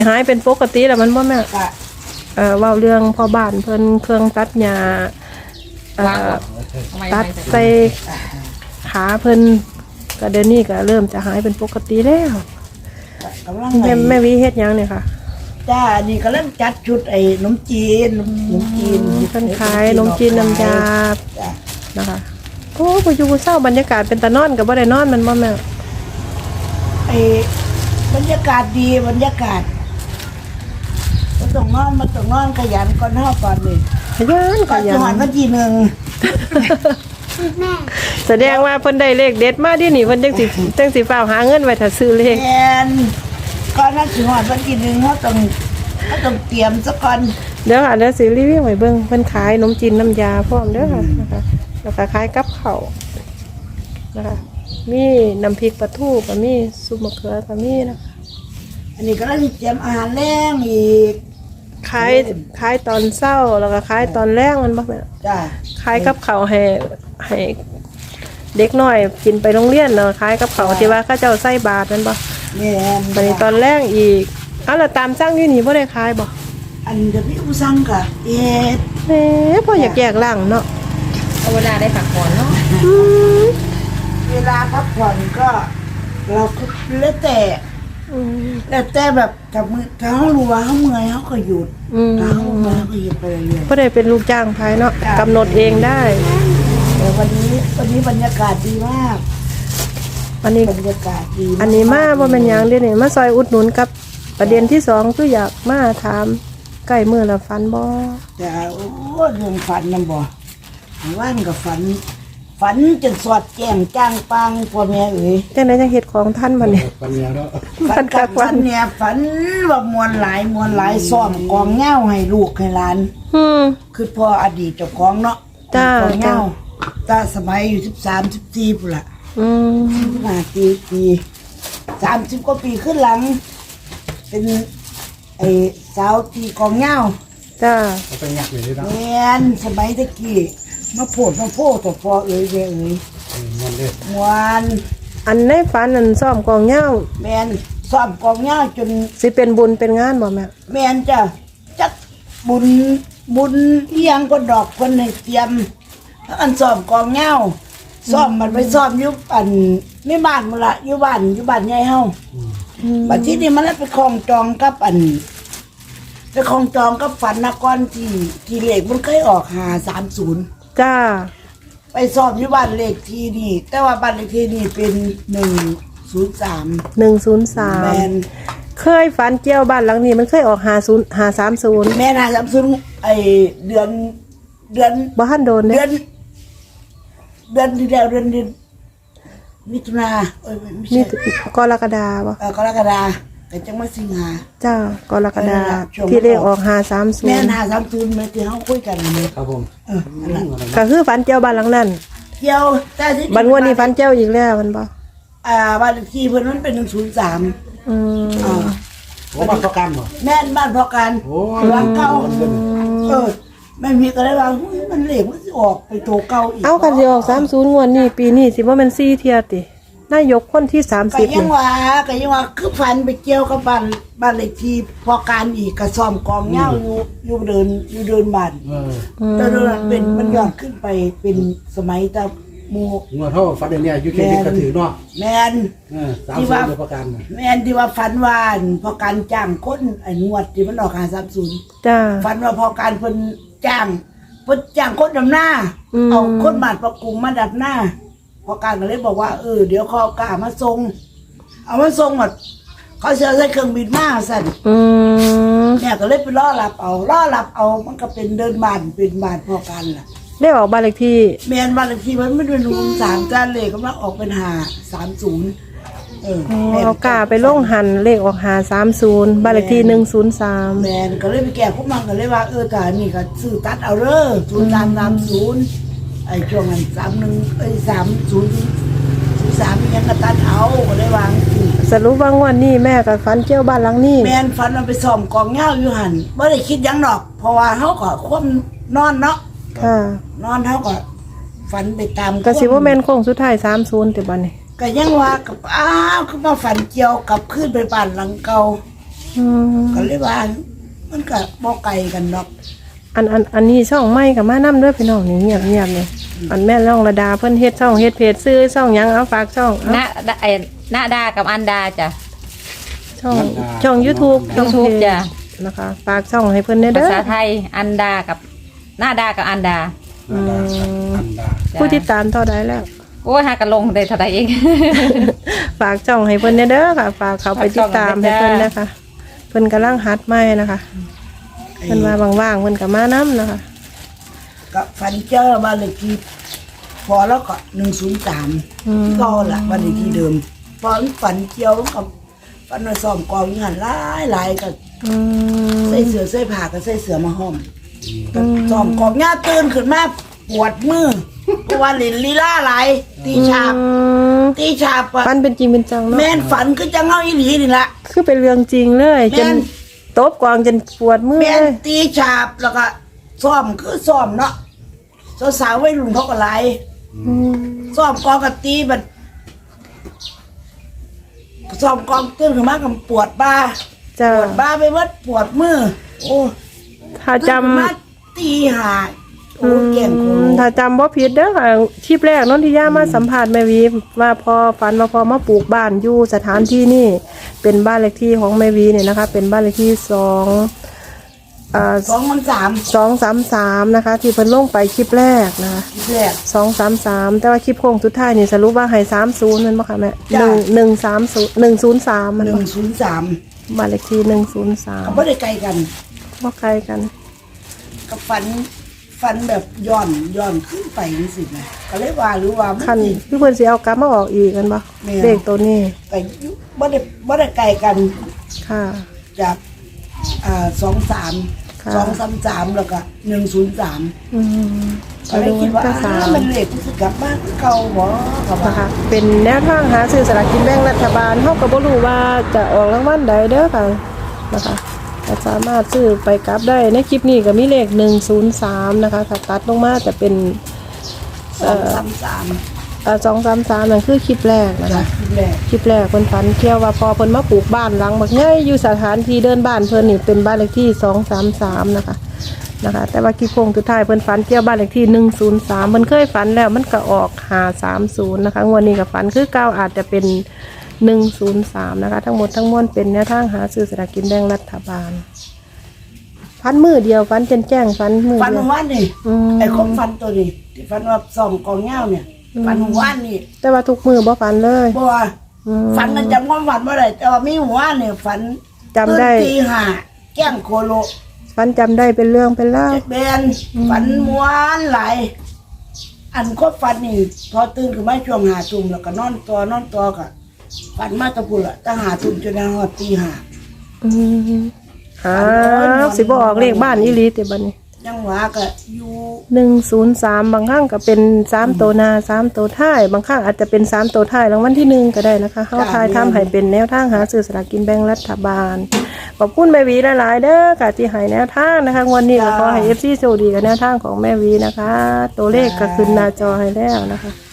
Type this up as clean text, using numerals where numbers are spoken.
หายเป็นปกติแล้วมันบ่แม่ก็เว้าเรื่องพ่อบ้านเพิ่นเครื่องตัดหญ้าตัดใส่ขาเพิ่นก็เดี๋ยวนี้ก็เริ่มจะหายเป็นปกติแล้วกำลังแม่วิเฮ็ดหยังเนี่ยค่ะจ้านี่กำลังจัดชุดไอ้ขนมจีนขนมจีนเพิ่นขายขนมจีนน้ำยาจ้ะนะคะโอ้บ่อยู่บ่เศร้าบรรยากาศเป็นตานอนก็บ่ได้นอนมันบ่แม่ไอ้บรรยากาศดีบรรยากาศมันต้องนอนขยันก่อนเฮาก่อนนี่ขยันขก่อนยัจะหอนนวันที่หนึ่งแสดงว่าเพิ่นได้เลขเด็ดมาดินี่เพิ่นจังสิฟ้าวหาเงินไว้ถ้าซื้อเลขแอนก่อนนั้นสิหอนวันที่หนึ่งเขาต้องเตรียมซะก่อนเดี๋ยวค่ะเดี๋ยวสิรีวิวให้เบิ่งเพิ่นขายขนมจีนน้ำยาพร้อมเด้อค่ะนะคะแล้วก็ขายกับข้าวนะคะมีน้ำพริกปลาทูก็มีซุปมะเขือก็มีนะคะอันนี้ก็ต้องเตรียมอาหารแรงอีกขายตอนเช้าแล้วก็ขายตอนแลงมันบ่แม่จ้าขายกับข้าวให้เด็กน้อยกินไปโรงเรียนเนาะขายกับข้าวที่ว่าเขาเจ้าใส่บาตรนั่นบ่แม่นบัดนี้ตอนแรกอีกเอาล่ะตามสั่งอยู่นี่บ่ได้ขายบ่อันเดี๋ยวพี่ผู้สั่งกะเอ็ดแหมพ่ออยากแยกล่างเนาะเอาเวลาได้พักผ่อนเนาะอืมเวลาพักผ่อนก็เราก็แล้วแต่อืมแล้วแต่แบบกับมือถ้าเขารู้ว่าเขาเมื่อยเขาก็หยุดอืมถ้าเขาเมื่อยเขาก็หยุดไปเรื่อยบ่ได้เป็นลูกจ้างภายเนาะกำหนดเองได้ๆแต่วันนี้บรรยากาศดีมากอันนี้บรรยากาศดีอันนี้มาบ่แม่นหยังเด้นี่มาซอยอุดหนุนกับประเด็นที่2คืออยากมาถามใกล้มื้อละฟันบ่แต่โอ้เรื่องฝันนำบ่ว่านกับฝันจนสอดแจ้งจ้างปังพ่อแม่เอ๋ยจังได๋จังเฮ็ดของท่านบัดนี้ปัญญาเนาะฝันกับฝันเนี่ยฝันว่ามวลหลายซ้อมกองเหย้าให้ลูกให้หลานอืมคือพ่ออดีตเจ้าของเนาะจ้ากองเหย้าตาสมัยอยู่13 14พุ่นล่ะอืมปี30กว่าปีขึ้นหลัง เป็นไอ้สาวตีกองเหย้าจ้าเขาไปงักอยู่ด้วยนะแม่นสมัยตะกี้มาโพดแต่พอเอ๋ยแม่เอ๋ยมันเลยมวนอันในฝันนั้นซ่อมกองเหย้าแม่นซ้อมกองเหย้าจนสิเป็นบุญเป็นงานบ่แม่แม่นจ้ะจักบุญเอียงก็ดอกคนให้เตรียมอันซ้อมกองเหย้าซ้อมมันไปซ้อมอยู่อันไม่บ้านมื้อละอยู่บ้านใหญ่เฮาบัดทีนี้มันเลยไปคล้องจองกับอันไปคล้องจองกับฝันนครที่เลขมันเคยออก530 จ้าไปสอบอยู่บ้านเลขที่นี่แต่ว่าบ้านเลขที่นี่เป็น103 แมน 103เคยฝันเกี่ยวบ้านหลังนี้มันเคยออก530 แม่น่าซัมซุงไอเดือนบ่ทันโดนเดืเด้อนที่แล้วเดือนมิถุนาไม่นี่ใช่กรกฎาบ่กรกฎาแต่จังมาสิงหาจ้ากรกฎาช่วงที่เลขออกแม่ 530 น่าซัมซุงมาที่เฮาคุยกันนี่ครับผมอันนั้นก็คือฝันเกี่ยวบ้านหลังนั้นเกี่ยวแต่ที่บัดงวดนี้ฝันเกี่ยวอีกแล้วมันบ่บ้านเลขที่เพิ่นมันเป็น103 อืมโอ้มาประกันเหรอแม่นบ้านพอกันโอ้หลังเก่าไม่มีก็ได้ว่ามันเหลวมันสิออกไปโตเก่าอีกเอากันสิออก30งวดนี้ปีนี้สิบ่แม่น4เที่ยตินายกคนที่ก็ 30 ยังนี่ว่าคือฟันไปเกี่ยวกับบ้านเลขที่พอการอีกกระซ่อมกองเหย้าอยู่เดินบ้านแต่เดินเป็นมันย้อนขึ้นไปเป็นสมัยตะหมูงัวเท่าฟันเดียวเนี่ยอยู่เขตกระถือเนาะแมน 30ตัวประกันแมนที่ว่าฟันวานพอการจ้างคนไอ้งวดที่มันออก530 จ้าฟันว่าพอการเพิ่นจ้างคนดำหน้า เอาคนบาดประกุมมาดับหน้า พอการก็เลยบอกว่าเดี๋ยวเขากล้ามาส่งเอามาส่งหมดเขาเสียใส่เครื่องบินมาสั่นอืมเนี่ยก็เลยไปล่อหลับเอามันก็เป็นเดินบ้านเป็นบ้านพอกันล่ะได้ออกบ้านเลขที่แมนบ้านเลขที่มันไม่เป็น3จานเลยก็มาออกเป็น530 เอากาไปลงหันเลขออก530บ้านเลขที่103 แมนก็เลยไปแก้พวกมันก็เลยว่าแต่นี่ก็ซื้อตัดเอาเด้อ0330ไอ้ช่วงนั้น30ยังก็ตัดเอาก็เลยวางสิสรุปว่างวดนี้แม่กับฝันเกี่ยวบ้านหลังนี้แมนฟันมันไปซ่อมกองเหย้าอยู่หั่นบ่ได้คิดหยังดอก เพราะว่าเฮาก็ควบนอนเนาะค่ะนอนเฮาก็ฝันไปตามก็สิว่าแม่นโค้งสุดท้าย30ติบัดนี้ก็ยังว่ากับคือมาฝันเกี่ยวกับขึ้นไปบ้านหลังเก่าอืมก็เลยว่ามันก็บ่ไกลกันดอกอันนี้ช่องใหม่กับมานํเด้อพี่น้องนี่เงียบนี่อันแม่ร่องระดาเพิ่นเฮ็ดช่องเฮ็ดเพจซื้อช่องหยังเอาฝากช่องเอาหน้าดากับอันดาจ้ะช่อง YouTube ช่องเพ YouTube จจ้ะนะคะฝากช่องให้เพิ่นเด้อภาษาไทยอันดากับหน้าดากับอันดาอันดาจ้ะผู้ติดตามเท่าใดแล้วโอ้ยหากันลงได้เท่าใดเองฝากช่องให้เพิ่นเด้อค่ะฝากเขาไปติดตามให้เพิ่นนะคะเพิ่นกำลังฮัดใหม่นะคะเพิ่นว่าว่างๆเพิ่นก็มานํนะคะก็ฝันเจอบ้านเลขที่พอแล้วก็103ก็ละบ้านเลขที่เดิมพอฝันเกี่ยวกับฝันว่าซ่อมกองงานหลายก็อืมใส่เสื้อใส่ผ้าก็ใส่เสื้อมาห้อมก็ซ่อมกองงานตื่นขึ้นมาปวดมือเพราะว่าเล่นลีลาหลายตีฉาบอะฝันเป็นจริงเป็นจังเนาะแม่นฝันคือจังเฮาอีหลีนี่ล่ะคือเป็นเรื่องจริงเลยจแม่นนตบกวางจนปวดมือแม่นเลยตีฉาบแล้วก็ซ่อมคือซ่อมเนาะสาวๆวัยรุ่นเขาก็หลายอืมซ่อมกองกับตีบัดซ่อมกองตื่นขึ้นมากับปวดบ่าจ้าปวดบ่าไปหมดปวดมือโอ้ถ้าตื่นจำขึ้นมาตีหาโอ้เก่งโคถ้าจำบ่ผิดเด้อค่ะคลิปแรกนนทิยามาสัมภาษณ์แม่วีว่าพอฝันว่าพอมาปลูกบ้านอยู่สถานที่นี่เป็นบ้านเลขที่ของแม่วีเนี่ยนะคะ เป็นบ้านเลขที่233นะคะ ที่เพิ่นลงไปคลิปแรกนะคะทีแรก 233แต่ว่าคลิปโค้งสุดท้ายนี่สรุปว่าให้30นั่นบ่ค่ะแม่จ้ะ 103มันบ่ 103 บ้านเลขที่ก็ 103 บ่ได้ไกลกันบ่ไกลกันก็ฝันแบบย้อนขึ้นไปนี่สินะก็เลยว่าหรือว่ามันคันสิพี่เพิ่นสิเอากลับมาออกอีกกันบ่แม่เลขตัวนี้ไปอยู่บ่ได้ไกลกันค่ะจาก23 ค่ะ 233แล้วก็103 อืมก็เลยคิดว่าก็สามมันเลขที่สิกลับบ้านคือเก่าบ่ก็ว่านะคะเป็นแนวทางหาซื้อสลากกินแบ่งรัฐบาลเฮาก็บ่รู้ว่าจะออกรางวัลใดเด้อค่ะนะคะก็สามารถซื้อไปกลับได้ในคลิปนี้ก็มีเลข103นะคะถ้าตัดลงมาจะเป็น 233 233นั่นคือคลิปแรกนะจาคะกที่แรกคลิปแรกเพิ่นฝันเกี่ยวว่าพอเพิ่นมาปลูกบ้านหลังบักใหญ่อยู่สถานที่เดินบ้านเพิ่นนี่เป็นบ้านเลขที่233นะคะแต่ว่าคลิปโค้งสุดท้ายเพิ่นฝันเกี่ยวบ้านเลขที่103เพิ่นเคยฝันแล้วมันก็ออก530นะคะงวดนี้ก็ฝันคือเก่าอาจจะเป็น103นะคะทั้งหมดทั้งมวลเป็นแนวทางหาซื้อสลากกินแบ่งรัฐบาลฝันมือเดียวฝันแจ้งฝันมือฝันเดียววันนี่อืมไอ้ของฝันตัวนี้ที่ฝันว่าส่องกองเงาเนี่ยฝันวันนี่แต่ว่าทุกมือบ่ฝันเลยบ่ว่าอืมฝันนั้นจำความฝันบ่ได้แต่ว่ามีหัวเนี่ยฝันจำได้ตื่นตีห้าแก้งโคโลฝันจำได้เป็นเรื่องเป็นเล่าวเจ็ดเบนฝันม้วนหลายอันก็ฝันนี่พอตื่นขึ้นมาช่วง5 ทุ่มแล้วก็นอนตัวก็ฝันมาแตะพุ่นละตั้ง5 ทุ่มจนฮอดตีห้าอืมสิบ่ออกเลขบ้านอีหลีติบัดนี้ยังว่าก็อยู่ 103บางครั้งก็เป็น3ตัวหน้า3ตัวท้ายบางครั้งอาจจะเป็น3ตัวท้ายรางวัลที่1ก็ได้นะคะเฮาทายทำให้เป็นแนวทางหาซื้อสลากกินแบ่งรัฐบาลขอบคุณแม่วีหลายๆเด้อค่ะที่ให้แนวทางนะคะวันนี้ก็ขอให้ FC โชคดีกับแนวทางของแม่วีนะคะ ตัวเลขก็ขึ้นหน้าจอให้แล้วนะคะ